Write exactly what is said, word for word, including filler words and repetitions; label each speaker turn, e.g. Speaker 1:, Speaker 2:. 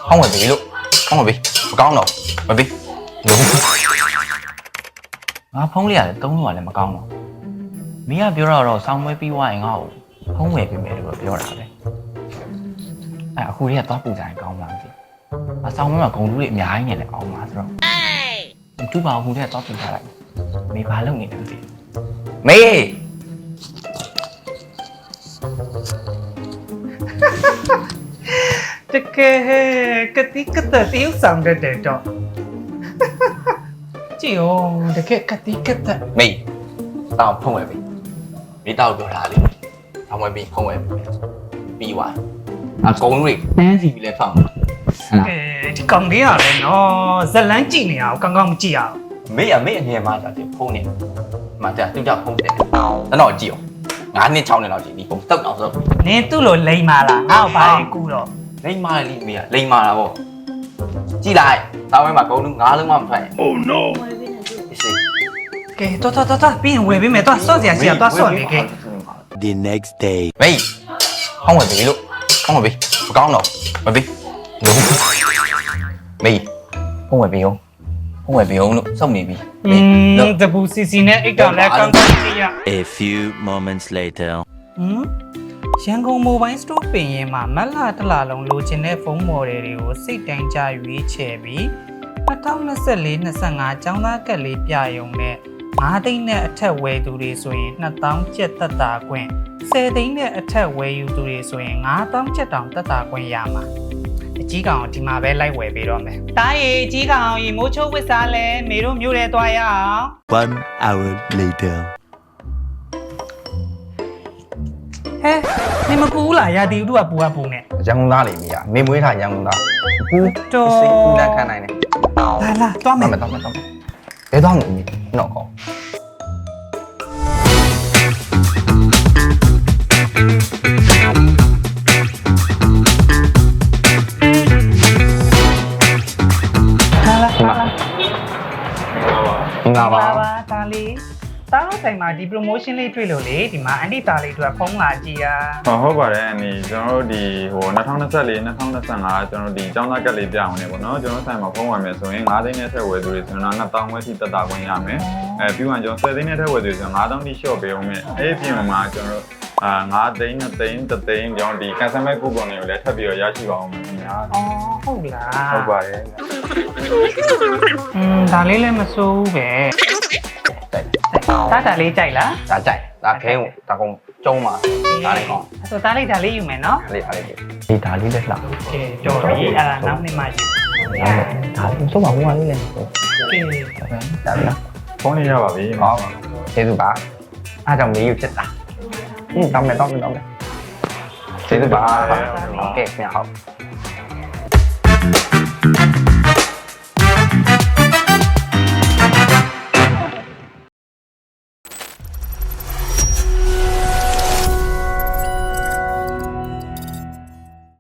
Speaker 1: không phải bị luôn không phải bị con đâu mà bị đúng nó phóng liền tống rồi lại mà con đâu mấy à biểu rồi xong mới bị hoài ngầu không về bị mẹ được biểu nào đấy à khu này to phụ giải con làm gì mà xong mới mà con đu điện nhà anh này lại con mà rồi chút vào khu này to phụ giải lại mấy ba lớp nghỉ làm gì mẹ
Speaker 2: Cái cái tí cái tờ tiếu xong để để cho chịu để cái cái tí cái tờ
Speaker 1: mày tao không phải bị bị tao biểu là đi không phải bị không phải bị hoài à con đi nè gì lại phòng
Speaker 2: cái con đi à nó rất láng chị này à con con chị à
Speaker 1: mấy à mấy anh em mà chả chịu không nè mà chả tôi chả không thể nó nói chịu ngán nên trong này nó chỉ đi không tấp nào rồi
Speaker 2: nên tôi lỗi lấy mà là ao phải cú rồi
Speaker 1: lấy mà đi mày lấy mà là bộ chi lại tao mới mà câu nước ngá nước mà phải oh no
Speaker 2: cái tôi tôi tôi tôi biến về biến mẹ tôi sao gì à tôi sao vậy cái
Speaker 3: The next day.
Speaker 1: mày không phải bị luôn không phải bị con đâu phải bị đúng mày không phải bị không không phải bị không nữa xong mày bị
Speaker 2: ừm tập bù xì xì này ít còn lại con con chị à
Speaker 3: A few moments later.
Speaker 2: ရန်ကုန် Mobile Store ပင်ရင်မှာမက်လာတလာလုံးလိုချင်တဲ့ဖုန်းမော်ဒယ်တွေကိုစိတ်တိုင်းကြရွေးချယ်ပြီးtwenty twenty-four twenty-fiveကျောင်းသားကက်လေးပြရုံနဲ့fiveသိန်းနဲ့အထက်ဝယ်သူတွေဆိုရင်two thousandကျပ်သက်သာခွင့်tenသိန်းနဲ့အထက်ဝယ်ယူသူတွေဆိုရင်five thousandကျပ်တောင်သက်သာခွင့်ရမှာအကြီးကောင်ဒီမှာပဲလိုက်ဝယ်ပေးတော့မယ်တားရီအကြီးကောင်ရေမိုးချိုးဝစ်စားလဲမေတို့မျိုးရဲသွားရအောင်
Speaker 3: One hour later.
Speaker 2: ဟဲ့နေမပူလားရာတီဥတုကပူကပူနဲ့
Speaker 1: ရန်ကုန်သားလေးမရမေမွေးထားရန်ကုန်သားကူ
Speaker 2: တော်
Speaker 1: စိတ်ကူနဲ့ခံနိုင်တယ်
Speaker 2: လာလာတွားမယ်
Speaker 1: တော့မယ်တော့မယ်ဘယ်တော့မှမတော့ကော
Speaker 2: လာလာလာလာ
Speaker 1: ငါပါ
Speaker 2: ပါပါဒါလေးတားတော့ဆိုင်မှာဒီ promotion လေးတွေ့လို့လေဒီမှာအန်တီတားလေးတို့ဖုန်းလာကြည့်ရ
Speaker 4: ဟုတ်ပါတယ်အန်ဒီကျွန်တော်တို့ဒီဟိုtwenty twenty-four twenty twenty-fiveကျွန်တော်တို့ဒီကျောင်းသားကက်လေးပြအောင်နေပေါ့နော်ကျွန်တော်ဆိုင်မှာဖုန်းဝယ်မယ်ဆိုရင်fiveသိန်းနဲ့ထက်ဝယ်သူတွေဆိုရင်တော့two thousandဝယ်ထိတက်တာခွင့်ရမယ်အဲပြီးမှကျွန်တော်tenသိန်းနဲ့ထက်ဝယ်သူတွေဆိုရင်five thousandထိ short ပေးအောင်မယ်အဲ့ဒီပြင်မှာကျွန်တော်တို့အာfiveသိန်းtwoသိန်းoneသိန်းကျွန်တော်ဒီ cancel မဲ့ coupon တွေကိုလည်းထပ်ပြီးတော့ရရှိပါအောင်မယ်ခင်ဗျာ
Speaker 2: အော်ဟုတ်လား
Speaker 4: ဟုတ်ပါတယ်
Speaker 2: อืมဒါလေးလည်းမစိုးဘူးပဲတားတာလေးကြိုက်လား
Speaker 1: ဒါကြိုက်ဒါခဲဒါကောင်ကျုံးပါဒါလေးကော
Speaker 2: အဲ့ဆိုတားလေးဒါလေးယူမယ်နော်
Speaker 1: ဒါလေးဒါလေးဒီဒါလေးလက်လာ
Speaker 2: ကဲတော်ပြီအဲ့ဒါနောက်နေ့မှယူ
Speaker 1: ဒါလေးစုံပါဘူးမလေးလေ
Speaker 2: ကဲ
Speaker 1: ဒါလေး
Speaker 4: ဖုန်းလေးရပါပြီ
Speaker 1: ဟောကျေးဇူးပါအားကြောင့်မေးယူဖြစ်တာဟင်းတောင်းမယ်တောင်းမယ်တောင်းမယ်ကျေးဇူးပါโอเคခင်ဗျာဟုတ်